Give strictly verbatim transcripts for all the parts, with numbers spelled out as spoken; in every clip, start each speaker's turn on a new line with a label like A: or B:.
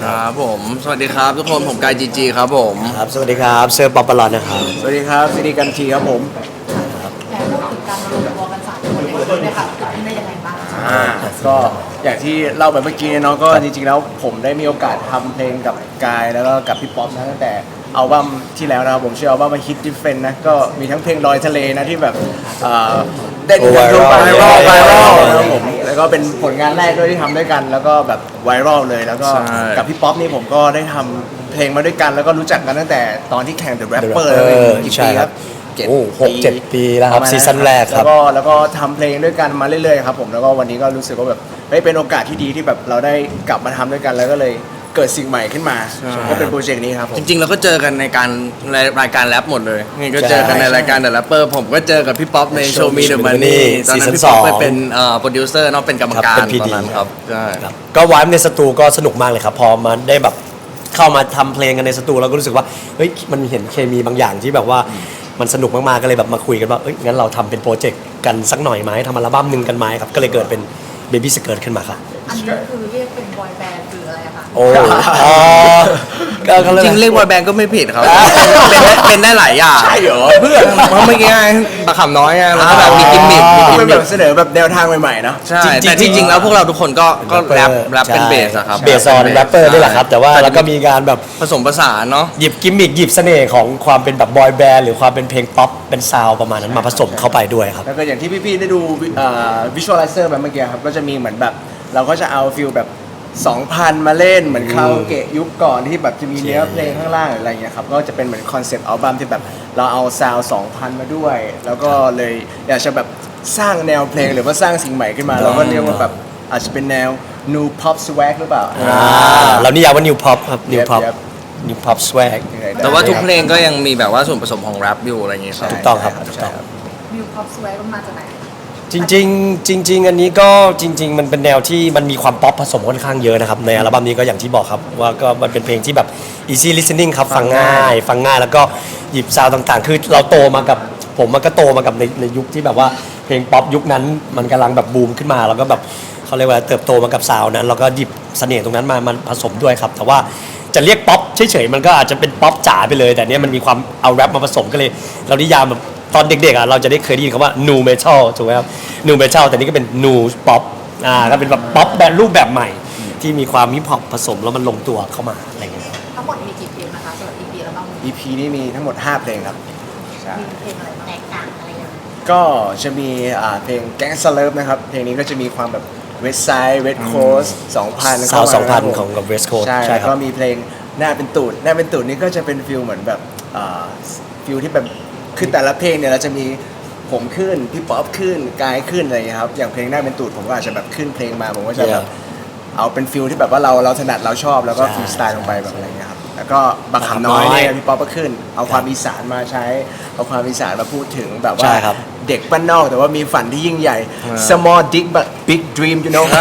A: ครับผมสวัสดีครับทุกคนผมกายจีจีครับผม
B: ครับสวัสดีครับเซอร์ป๊อปปลอนนะครับ
C: สวัสดีครับสิริกันทีครับผม
D: แต่พูดถึงการรวมตัวกันสามคนในครั้งนี้ค่ะเกิดขึ้นได้ยังไงบ้าง
C: อ่าก็อย่างที่เล่าไปเมื่อกี้เนาะก็จริงๆแล้วผมได้มีโอกาสทำเพลงกับกายแล้วก็กับพี่ป๊อปนะตั้งแต่อัลบั้มที่แล้วนะครับผมชื่ออัลบั้มว่า Hit Different นะก็มีทั้งเพลงลอยทะเลนะที่แบบอ่าได้ดูกันไวรัลไวรัลนะครับผมแล้วก็เป็นผลงานแรกด้วยที่ทำด้วยกัน แล้วก็แบบไวรัลเลยแล้วก็กับพี่ป๊อปนี่ผมก็ได้ทำเพลงมาด้วยกันแล้วก็รู้จักกันตั้งแต่ตอนที่แข่ง The Rapper แล้วเป็นกี่ปีครับ
B: โอ้หกเจ็ดปีแล้วครับซีซั่นแรกครับ
C: แล้วก็แล้วก็ทำเพลงด้วยกันมาเรื่อยๆครับผมแล้วก็วันนี้ก็รู้สึกว่าแบบเฮ้ยเป็นโอกาสที่ดีที่แบบเราได้กลับมาทำด้วยกันแล้วก็เลยเกิดสิ่งใหม่ขึ้นมาก็เป็นโปรเจกต์นี้ครับผม
A: จริงๆเราก็เจอกันในการในรายการแรปหมดเลยนี่ก็เจอกันในรายการ The Rapper ผมก็เจอกับพี่ป๊อปใน Show Me The Money ตอนนั้นพี่ป๊อปไปเป็นโปรดิวเซอร์เนาะเป็นกรรมการตอนนั้นครับใช่
B: ก็วายในสตูก็สนุกมากเลยครับพอมาได้แบบเข้ามาทำเพลงกันในสตูเราก็รู้สึกว่าเฮ้ยมันเห็นเคมีบางอย่างที่แบบว่ามันสนุกมากๆก็เลยแบบมาคุยกันว่าเอ้ยงั้นเราทำเป็นโปรเจกต์กันสักหน่อยไหมทำอัลบั้มหนึ่งกันไหมครับก็เลยเกิดเป็น Baby Skirt ขึ้นมาครับ
D: อันนี้คือเรียกเป็นบอยแบนด์หรืออะไรอะคะ
B: โอ้
A: ก็จริงเรียกบอยแบนด์ก็ไม่ผิดครับเป็นได้หลายอย่าง
C: ใช่เหรอ
A: เพื่อนเพราะเมื่อกี้บะขำน้อยไงแล้วก็แบบมีกิมมิคมีกิม
C: เป็น
A: มิ
C: แบ
A: ค
C: บเสนอแบบแนวทางใหม่ๆเนาะ
A: ใช่แต่จริงๆแล้วพวกเราทุกคนก็ก็แรปแรปเป็นเบสอะครับ
B: เบสออนแรปเปอร์นี่แหละครับแต่ว่าแล้วก็มีการแบบ
A: ผสมผสานเนาะ
B: หยิบกิมมิคหยิบเสน่ห์ของความเป็นแบบบอยแบนด์หรือความเป็นเพลงป๊อปเป็นซาวประมาณนั้นมาผสมเข้าไปด้วยครับ
C: แล้วก็อย่างที่พี่ๆได้ดูวิชวลไลเซอร์แบบเมื่อกี้ครับก็จะมีเหมือนแบบเราก็จะเอาฟิลแบบสองพันมาเล่นเหมือนคาราโอเกะยุคก่อนที่แบบจะมีเนื้อเพลงข้างล่างอะไรอย่างเงี้ยครับก็จะเป็นเหมือนคอนเซปต์อัลบั้มที่แบบเราเอาซาวสองพันมาด้วย แล้วก็เลยอยากจะแบบสร้างแนวเพลงหรือว่าสร้างสิ่งใหม่ขึ้นมาเราก็เรียกว่าแบบอาจจะเป็นแนว new pop swag หรือเปล่า
B: เรานิยามว่า new pop ครับ new pop new pop swag
A: แต่ว่าทุกเพลงก็ยังมีแบบว่าส่วนผสมของแรปอยู่อะไรอย่างเงี้ย
B: ถูกต้องครับถูกต้อง
D: มิวพอปสวมันมาจากไหน
B: จริงๆจริงๆอันนี้ก็จริงๆมันเป็นแนวที่มันมีความป๊อปผสมค่อนข้างเยอะนะครับในอัลบั้มนี้ก็อย่างที่บอกครับว่าก็มันเป็นเพลงที่แบบ easy listening ครับฟังง่ายฟังง่ายแล้วก็หยิบซาวด์ต่างๆคือเราโตมากับผมมันก็โตมากับในในยุคที่แบบว่าเพลงป๊อปยุคนั้นมันกำลังแบบบูมขึ้นมาแล้วก็แบบเขาเรียกว่าเติบโตมากับซาวด์นั้นแล้วก็หยิบเสน่ห์ตรงนั้นมามันผสมด้วยครับแต่ว่าจะเรียกป๊อปเฉยๆมันก็อาจจะเป็นป๊อปจ๋าไปเลยแต่เนี้ยมันมีความเอาแรปมาผสมก็เลยเรานิยามแบบตอนเด็กๆอ่ะเราจะได้เคยได้ยินคำว่า nu metal ถูกไหมครับ nu metal แต่นี่ก็เป็น nu pop อ่าก็เป็นแบบป๊อปแบบรูปแบบใหม่ที่มีความฮิปฮอปผสมแล้วมันลงตัวเข้ามาอะไรเงี้ย
D: ทั้งหมดมีกี่เพลงนะคะสำหรับ อี พี แล้วบ้าง
C: อี พี นี้มีทั้งหมดห้าเพลงครับ
D: มีเพลงอะไรบ้างแตกต่างอะไรยังไง
C: ก็จะมีเพลง Gangsta Love นะครับเพลงนี้ก็จะมีความแบบ West Side West Coast สองพัน
B: ซาวสองพันของกับ West Coast
C: ใช่แล้วก็มีเพลงหน้าเป็นตูดหน้าเป็นตูดนี่ก็จะเป็นฟิลเหมือนแบบฟิลที่แบบคือแต่ละเพลงเนี่ยเราจะมีผมขึ้นพี่ป๊อปขึ้นกายขึ้นอะไรอย่างเงี้ยครับอย่างเพลงหน้าเป็นตูดผมก็อาจจะแบบขึ้นเพลงมาผมก็จะแบบเอาเป็นฟิลที่แบบว่าเราเราถนัดเราชอบแล้วก็ฟรีสไตล์ลงไปแบบอะไรเงี้ยครับแล้วก็บักขำน้อยเนี่ยพี่ป๊อปก็ขึ้นเอาความอีสานมาใช้เอาความอีสานมาพูดถึงแบบว่าเด็กบ้านนอกแต่ว่ามีฝันที่ยิ่งใหญ่ small dick but big dream you know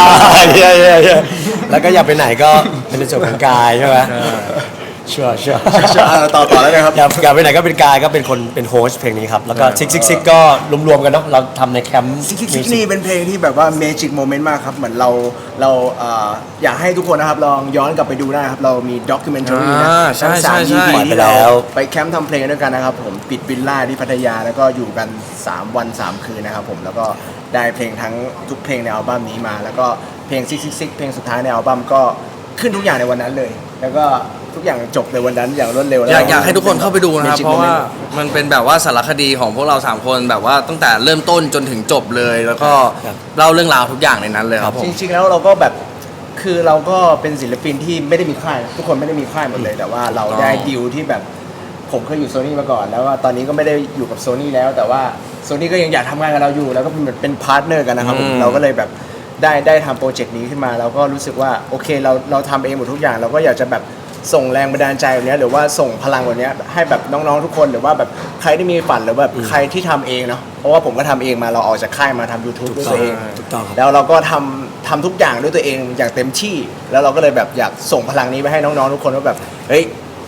B: แล้วก็อย่าไปไหนก็เป็นในส่วนของกายใช่ไหมชัวร์ชัวร์
C: ต่อต่อแล้วนะครับ
B: อย่าอย่าไปไหนก็เป็นกายก็เป็นคนเป็นโฮสต์เพลงนี้ครับแล้วก็ซิกซิกซิกก็รวมๆกันเนาะเราทำในแคมป์
C: ซิกซิกซิกนี่เป็นเพลงที่แบบว่าเมจิกโมเมนต์มากครับเหมือนเราเราอยากให้ทุกคนนะครับลองย้อนกลับไปดูได้ครับเรามีด็อกิเมนทารีนะ
A: ทั้งสาม
C: อี พี ที่เราไปแคมป์ทำเพลงด้วยกันนะครับผมปิดวิลล่าที่พัทยาแล้วก็อยู่กันสามวันสามคืนนะครับผมแล้วก็ได้เพลงทั้งทุกเพลงในอัลบั้มนี้มาแล้วก็เพลงซิกซิกซิกเพลงสุดท้ายในอัลบั้มก็ขึ้นทุกอย่างในวันนั้นเลยแล้วก็ทุกอย่างจบในวันนั้นอย่างรวดเร็ว
A: อยากอยากให้ทุกคนเข้าไปดูนะครับเพราะว่ามันเป็นแบบว่าสารคดีของพวกเราสามคนแบบว่าตั้งแต่เริ่มต้นจนถึงจบเลยแล้วก็เล่าเรื่องราวทุกอย่างในนั้นเลยครับ
C: จริงๆแล้วเราก็แบบคือเราก็เป็นศิลปินที่ไม่ได้มีค่ายทุกคนไม่ได้มีค่ายหมดเลยแต่ว่าเราได้ดีลที่แบบผมเคยอยู่โซนี่มาก่อนแล้วว่าตอนนี้ก็ไม่ได้อยู่กับโซนี่แล้วแต่ว่าโซนี่ก็ยังอยากทำงานกับเราอยู่แล้วก็เป็นเป็นพาร์ทเนอร์กันนะครับเราก็เลยแบบได้ได้ทำโปรเจกต์นี้ขึ้นมาเราก็รู้สึกว่าโอเคเราเราทำเองหมดทุกอย่างเราก็อยากจะแบบส่งแรงบันดาลใจแบบนี้หรือว่าส่งพลังแบบนี้ให้แบบน้องๆทุกคนหรือว่าแบบใครที่มีฝันหรือแบบใครที่ทำเองเนาะเพราะว่าผมก็ทำเองมาเราออกจากค่ายมาทำ YouTube ด้วยตัวเองแล้วเราก็ทำทำทุกอย่างด้วยตัวเองอย่างเต็มที่แล้วเราก็เลยแบบอยากส่งพลังนี้ไปให้น้องๆทุกคนว่าแบบเฮ้ย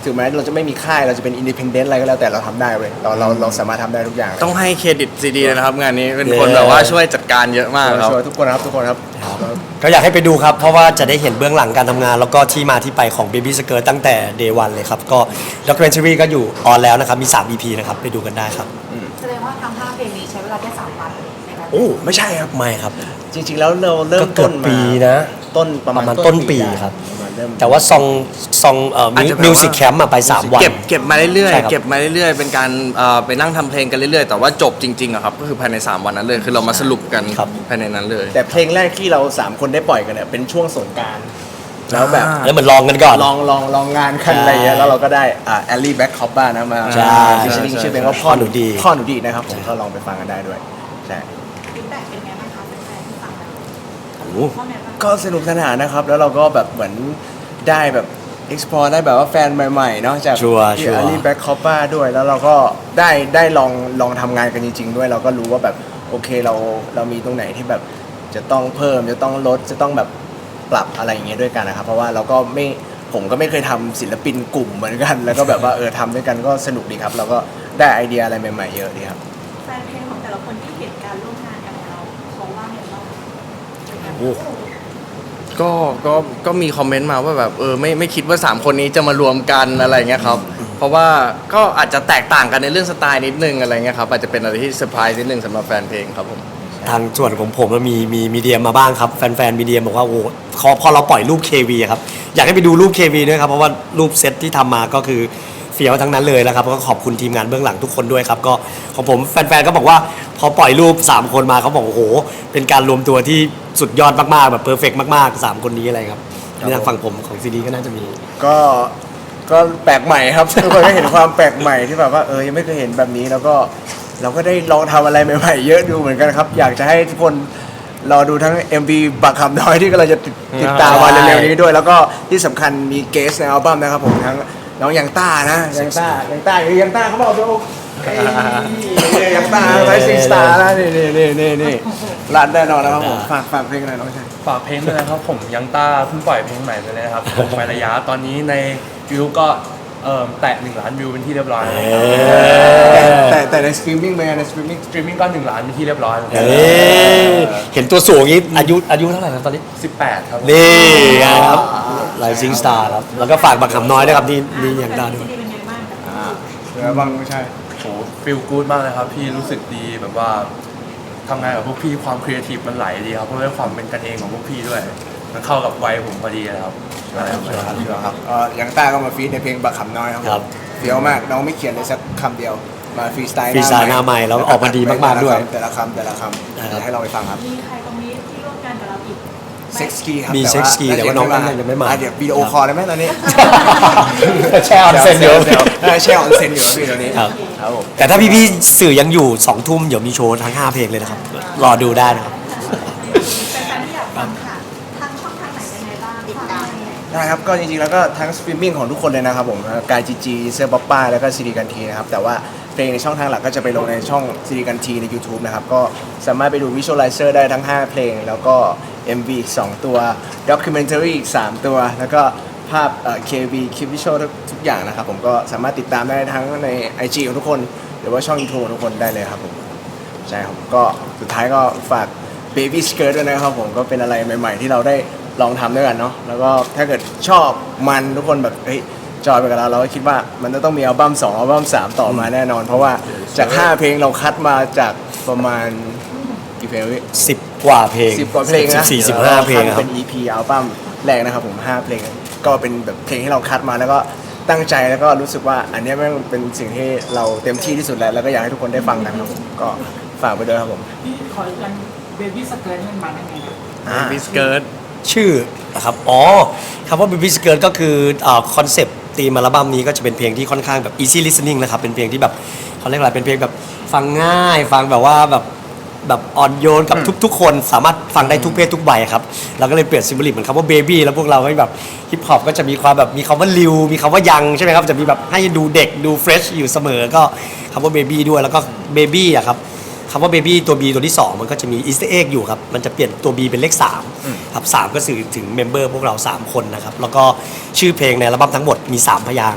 C: ถึงแม้เราจะไม่มีค่ายเราจะเป็นอินดิเพนเดนต์อะไรก็แล้วแต่เราทำได้เว้ยเราเราเราสามารถทำได้ทุกอย่าง
A: ต้องให้เครดิตซีดีเลยนะครับงานนี้เป็นคนแบบว่าช่วยจัดการเยอะมากครับ
C: ช่วยทุกคนครับทุกคนครับ
B: ก็อยากให้ไปดูครับ เพราะว่าจะได้เห็นเบื้องหลังการทำงาน แล้วก็ที่มาที่ไปของ Baby Skirt ตั้งแต่ Day วันเลยครับ ก็ด็อกิเมนทารีก็อยู่ออนแล้วนะครับ มี สาม อี พี นะครับ ไปดูกันได้ครับ
D: แสดงว่าทำห้าเพลงนี้ใช้เวลาแค่สามวันในการ
C: โอ้ไม่ใช่ครับ
B: ไม่ครับ
C: จริงๆแล้วเราเริ่
B: ก็
C: ม
B: เกื
C: ต้
B: อบ
C: นมา
B: ปีนะ
C: ต้นประมาณ
B: ประมาณต้นปี
C: ได้
B: ครับ
C: ประมาณเริ่ม
B: แต่ว่าซองซองเอ่อ
A: อาจจะแบบว่า
B: มิวสิกแคมป์มาไป สาม วัน
A: เก็บเก็บมาเรื่อย
B: ใช่ครับ
A: ๆเก็บมาเรื่อยๆเป็นการเอ่อไปนั่งทำเพลงกันเรื่อยๆแต่ว่าจบจริงๆอะครับก็คือภายในสามวันนั้นเลยคือเรามาสรุปกัน
B: ครับ
A: ภายในนั้นเลย
C: แต่เพลงแรกที่เราสามคนได้ปล่อยกันเนี่ยเป็นช่วงสงกรานต์แล้วแบบ
A: อ่า
B: แล้วเหมือนลองกันก่อน
C: ลองลองลองงานกันอะไรอย่างเงี้ยแล้วเราก็ได้อ่าแอลลี่แบ็คคอปบ้านะมา
B: ใช่
C: ฟิชชิ่ง
A: ใช่
C: ชื่อเพลงว่าพ่อ
B: พ่อหนูดี
C: พ่อหนูดีนะครับผมก็ลองไปฟังกันได้ด้วยใช่
D: ฟีดแบ็กเป็นไงบ้างคะแฟนๆที่ฟังแล้ว
B: โอ้โห
D: ว่าไงบ้าง
C: ก็สนุกสนานนะครับ แล้วเราก็แบบเหมือนได้แบบ explore ได้แบบว่าแฟนใหม่ๆเนาะจาก
B: ชัวร์
C: ที่
B: ชัวร์
C: แอลลี่แบ็คคอปบ้าด้วย แล้วเราก็ได้ได้ลองลองทำงานกันจริง ๆ ด้วย เราก็รู้ว่าแบบโอเคเราเรามีตรงไหนที่แบบจะต้องเพิ่มจะต้องลดจะต้องแบบปรับอะไรอย่างเงี้ยด้วยกันนะครับ เพราะว่าเราก็ไม่ผมก็ไม่เคยทำศิลปินกลุ่มเหมือนกัน แล้วก็แบบว่าเออทำด้วยกันก็สนุกดีครับ เราก็ได้ไอเดียอะไรใหม่ๆเยอะดีครับ
D: แฟนเพลงของแต่ละคนที่เห็นการร่วมงานกันของเราเขาว่าไงบ้างเป็นการ
B: โอ้
A: ก็ก็ก็มีคอมเมนต์มาว่าแบบเออไม่ไม่คิดว่าสามคนนี้จะมารวมกันอะไรเงี้ยครับเพราะว่าก็อาจจะแตกต่างกันในเรื่องสไตล์นิดนึงอะไรเงี้ยครับอาจจะเป็นอะไรที่เซอร์ไพรส์นิดนึงสำหรับแฟนเพลงครับผม
B: ทางส่วนของผมมันมีมีมีเดียมาบ้างครับ แฟนๆมีเดียบอกว่าโอ้โหพอพอเราปล่อยรูป เค วี อะครับ อยากให้ไปดูรูป เค วี ด้วยครับ เพราะว่ารูปเซตที่ทำมาก็คือเฟี้ยวทั้งนั้นเลยแล้วครับก็ขอบคุณทีมงานเบื้องหลังทุกคนด้วยครับ ก็ของผมแฟนๆก็บอกว่าพอปล่อยรูป สาม คนมาเขาบอกโอ้โห เป็นการรวมตัวที่สุดยอดมากๆแบบเพอร์เฟกต์มากๆสามคนนี้อะไรครับในทางฝั่งผมของซีดีก็น่าจะมี
C: ก็ก็แปลกใหม่ครับ ทุกคนก็เห็นความแปลกใหม่ที่แบบว่าเออยังไม่เคยเห็นแบบนี้แล้วก็เราก็ได้ลองทำอะไรใหม่ๆเยอะดูเหมือนกันครับ อยากจะให้ทุกคนรอดูทั้ง เอ็ม วี บักคำน้อยที่กำลังจะติดติดตามมาเร็วๆนี้ด้วย แล้วก็ที่สำคัญมีเกสในอัลบั้มนะครับผมทั้งน้องยังต้านะยังต้ายังต้าอยู่ยังต้าเขาบอกดูเอ้ยยังต้าไลฟ์ซิงสตาร์นะนี่นี่นี่นี่นี่รัดแน่นอนนะครับผมฝากฝากเพลงหน่อยน้องชาย
E: ฝากเพลงด้วยนะครับผมยังต้าเพิ่งปล่อยเพลงใหม่ไปเลยนะครับผมไประยะตอนนี้ในวิวก็เอ่อแตะหนึ่งล้านวิวเป็นที่เรียบร้อยแล้วครับ
C: แต่แต่แต่ในสตรีมมิ่งเป็นไงในสตรีมมิ่ง
E: สตรีมมิ่งก็หนึ่งล้านเป็นที่เรียบร้อยแล้ว
B: เอ้ยเห็นตัวสูงอย่างนี้อายุอายุเท่าไหร่ครับตอนนี้
E: สิบแปดครับผม
B: นี่ไงครับไลฟ์ซิงสตาร์ครับ แล้วก็ฝากบักคำน้อยด้วยครับนี่นี่อย่างดาวด้วย
D: เป็นไงบ้างกับ
C: อ่าเดี๋ยวบ้างไม่ใช่
E: โหฟีลกู๊ดมากเลยครับพี่รู้สึกดีแบบว่าทำงานกับพวกพี่ความครีเอทีฟมันไหลดีครับเพราะด้วยความเป็นกันเองของพวกพี่ด้วย มันเข้ากับวัยผมพอดีเลยครับอะไรประมาณนั้น
C: เชื่อครับเอ่อยังต้าก็มาฟีดในเพลงบักขำน้อยครับ
B: ครับ
C: เฟี้ยวมากน้องไม่เขียนเลยสักคำเดียวมาฟรีสไตล์
B: ฟรีสไตล์หน้าใหม่แล้วออกมาดีมากๆด้วย
C: แต่ละคำแต่ละคำ
B: นะครับ
C: เดี๋ยวให้เราไปฟังครับ
D: มีใครตรงนี้ที่ร่วมงานกับเราอีก
C: เซ็กซ์กีครับ
B: มี Sex Key แต่ว่าน้องนั่นยังไม่มา
C: อ่ะเดี๋ยววิดีโอคอลได้ไหมตอนนี้
B: แช่ออนเซ็นเดี๋ยว
C: เออแช่ออนเซ็นอยู่ครับพี่ตอนนี้
B: ครับ
C: ครับผม
B: แต่ถ้าพี่ๆสื่อยังอยู่สองทุ่มเดี๋ยวมีโชว์ทั้งห้าเพลงเลยนะครับ รอดูได้นะครับ
D: แฟนๆที่อยากฟังค่ะทางช่องทางไหนยังไงบ้างติดตามยังไง
C: ได้ครับก็จริงๆแล้วก็ทั้งสตรีมมิ่งของทุกคนเลยนะครับผมกายจีจีเซอร์ป๊อปป้าแล้วก็ซีดีกันทีนะครับแต่ว่าเพลงในช่องทางหลักก็จะไปลงในช่องซีดีกันทีใน YouTube นะครับก็สามารถไปดูวิชวลไลเซอร์ได้ทั้งห้าเพลง แล้วก็ เอ็ม วี อีกสองตัวด็อกิเมนทารีอีกสามตัว แล้วก็ภาพเอ่อ เค วี คลิปวิชวลทุกอย่างนะครับผมก็สามารถติดตามได้ทั้งใน ไอ จี ของทุกคน หรือว่าช่อง YouTube ของทุกคนได้เลยครับผมใช่ครับก็สุดท้ายก็ฝาก Baby Skirt ด้วยนะครับผมก็เป็นอะไรใหม่ ๆ ที่เราได้ลองทำด้วยกันเนาะแล้วก็ถ้าเกิดชอบมันทุกคนแบบเฮ้ยจอยไปกับเราเราก็คิดว่ามันจะต้องมีอัลบั้มสองอัลบั้มสามต่อมาแน่นอน เพราะว่าจากห้าเพลงเราคัดมาจากประมาณกี่เพลงพี่
B: สิบกว่าเพลง
C: สิบกว่าเพลงนะ
B: สี่สิบห้าเพลงค
C: เป็
B: รับ
C: น อี พี อัลบั้มแรกนะครับผมห้าเพลงก็เป็นแบบเพลงที่เราคัดมาแล้วก็ตั้งใจแล้วก็รู้สึกว่าอันเนี้ยแม่งเป็นสิ่งที่เราเต็มที่ที่สุดแล้วแล้วก็อยากให้ทุกคนได้ฟังกันครับผมก็ฝากไปด้วยครับผม
F: พี่ขออีกอันเบบี้สเกิร์ตมันมาได้ไงนะ
C: อ่า
A: บิสเกิร์ต
B: ชื่อนะครับ อ๋อคำว่า Baby Skirt ก็คือคอนเซปต์ธีมอัลบั้มนี้ก็จะเป็นเพลงที่ค่อนข้างแบบ easy listening นะครับ เป็นเพลงที่แบบเขาเรียกอะไร เป็นเพลงแบบฟังง่าย ฟังแบบว่าแบบแบบอ่อนโยนกับทุกๆ คนสามารถฟังได้ทุกเพศทุกวัยครับเราก็เลยเปลี่ยนซิมโบลิกเหมือนคำว่า baby แล้วพวกเราให้แบบฮิปฮอปก็จะมีความแบบมีคำว่าลิวมีคำว่ายังใช่ไหมครับจะมีแบบให้ดูเด็กดูเฟรชอยู่เสมอก็คำว่า baby ด้วยแล้วก็ baby อะครับคำว่า baby ตัว B ตัวที่สองมันก็จะมี easter egg อยู่ครับมันจะเปลี่ยนตัว B เป็นเลขสามครับสามก็สื่อถึงเมมเบอร์พวกเราสามคนนะครับแล้วก็ชื่อเพลงในอัลบั้มทั้งหมดมีสามพยางค์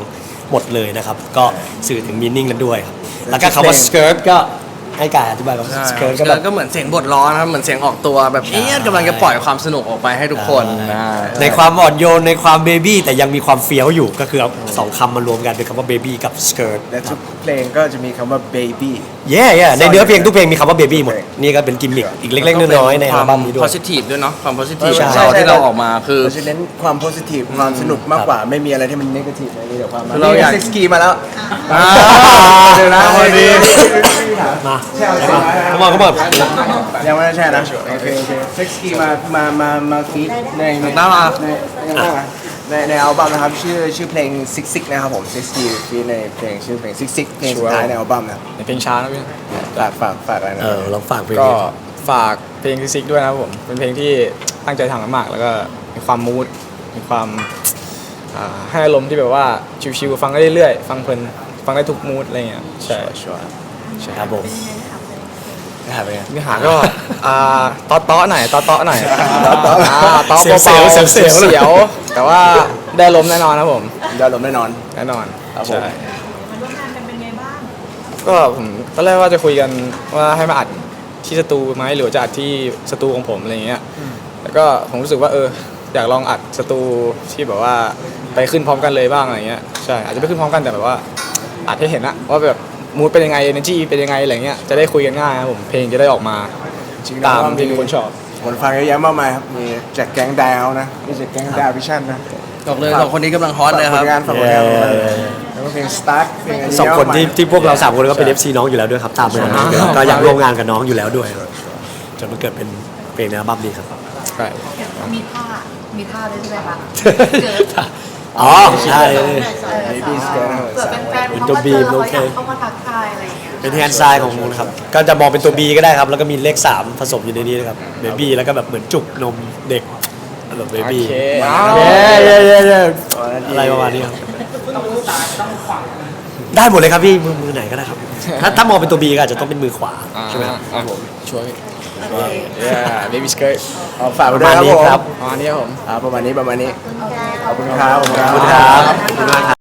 B: หมดเลยนะครับ ก็สื่อถึงมีนิ่งนั้นด้วยครับแล้วก็คำว่า skirt ก็ให้กายอธิบายคำว่า skirt ก็
A: ก็
B: แบบ
A: ก็เหมือนเสียงบทร้อนนะครับเหมือนเสียงออกตัวแบบเอี๊ยดกำลังจะปล่อยความสนุกออกไปให้ทุกคนนะ
B: ในความอ่อนโยนในความเบบี้แต่ยังมีความเฟี้ยวอยู่ก็คือเอาสองคำมารวมกันเป็นคำว่าเบบี้กับ skirt
C: และทุกเพลงก็จะมีคำว่า baby
B: เย่เย่ในเนื้อเพลงทุกเพลงมีคำว่าเบบี้หมดนี่ก็เป็นกิมมิคอีกเล็กๆน้อยๆในอัลบั้มนี้ด้วย
A: positive ด้วยเนาะความ positive
B: ใช่
A: ของเราที่เราออกมาคือ
C: เราจะเน้นความ positive ความสนุกมากกว่าไม่มีอะไรที่มัน negative เลยมีแต่ความ
A: คือเราอยาก
C: เซ็กซ์กีมาแล้ว
A: อ่า
C: เดี๋ยวนะ
A: พอดี
B: มาเข้ามาเข้ามา
C: ยังไม่ได้ใช่นะโอเคโอเคเซ็กซ์กีมามามามาฟีดในใน
A: น่ารัก
C: ในในในอัลบั้มนะครับชื่อชื่อเพลงซิกซิกนะครับผมซิกซีฟีดในเพลงชื่อเพลงซิกซิกเพลงสุดท้ายในอัลบั้มนะครับ
G: ในเพลงช้านะพี่
C: ฝากฝากฝากอะไรนะ
B: เออลองฟังเพลง
G: ก็
B: นี้
G: ฝากเพลงซิกด้วยนะครับผม เป็นเพลงที่ตั้งใจทำมากๆแล้วก็มีความมูดมีความอ่าให้อารมณ์ที่แบบว่าชิวๆฟังได้เรื่อยๆฟังเพลินฟังได้ทุกมูดอะไรเงี้ยใช่
C: ชัวร์
B: ใช่ครับผม
C: นะครับเป็นไง
G: เนื้อหาก็อ่าต๊อต๊อหน่อยต๊อต๊อหน่อย
C: ต๊อต๊อ
G: อ่าต๊อ
B: เสียวๆ
G: เบาๆ
B: เสียวๆ
G: เสียวๆแต่ว่าได้ลมณ์แน่นอนนะครับผม
C: ยอดลมแน่นอน
G: แน่นอน
C: ครับผม
G: ใช่
D: มันร่วมงานกันเป็นไงบ้าง
G: ก็ผมตอนแรกว่าจะคุยกันว่าให้มาอัดที่สตูไหมหรือว่าจะอัดที่สตูของผมอะไรเงี้ยแล้วก็ผมรู้สึกว่าเอออยากลองอัดสตูที่แบบว่าไปขึ้นพร้อมกันเลยบ้างอะไรเงี้ยใช่อาจจะไม่ขึ้นพร้อมกันแต่แบบว่าอัดให้เห็นอะว่าแบบมูดเป็นยังไง energy เป็นยังไงอะไรเงี้ยจะได้คุยกันง่ายครับผมเพลงจะได้ออกมา
C: จริงๆ
G: ตาม
C: แล้ว
G: ที่ทุกคนชอบ
C: คนฟังเยอะแยะมากมายครับมีจากแก๊งดาวนะมีจากแก๊งดาววิชั่นนะ
A: บอกเลยสองคนนี้กำลังฮอตเลยครับ
C: ฝากผลงานฝากผลงานแล้วก็เพลงสตาร์ทเพลงะไร
B: สองคนที่
C: เยะมากมาย
B: ที่พวกเราสามคนก็เป็น เอฟ ซี น้องอยู่แล้วด้วยครับตามไปนะก็อยากร่วมงานกับน้องอยู่แล้วด้วยจนมันเกิดเป็นเพลงในอัลบั้มนี้ครับ
G: ใช่
D: มีท่า มีท่าด้วยใช่ไหมคะ
B: อ๋อใช่
D: เกิด
C: Baby Skirt นะครับ
D: เผื่อแฟนๆ
B: เป็น
D: เขา
B: ตัว
D: มา
B: บี
D: เจ
B: ม
D: อ
B: โอ
D: เขา
B: เค
D: อยากเข้ามาทักทายอะไรอย่างเงี้ย
B: เป็นแฮนด์ไซน์ของมูนะครับก็จะมองเป็นตัว B ก็ได้ครับแล้วก็มีเลขสามผสมอยู่ในนี้นะครับเบบี้แล้วก็แบบเหมือนจุกนมเด็กแบบเบ
G: โอ
B: บี้
G: เค
B: เย้เย้เย้เย้อะไรประมาณนี้ครับได้หมดเลยครับพี่มือมือไหนก็ได้ครับ ถ้าถ้ามองเป็นตัว B ก็อาจจะต้องเป็นมือขวาใช่ไหมครับ
G: อ่าผมช่วย yeah baby skirt
C: เอาฝาก
B: ป
C: ไว้
B: ระ
C: ด้วย
B: มาณ
C: ครับผม
B: นี้ครับ
G: อ๋ออันนี้ครับผม
C: อ่าประมาณนี้ประมาณนี้ขอบคุณครับขอบคุณ
B: ขอบคุณ
C: ค
B: ค
C: รั
B: รับ บขอบคุณมากครับ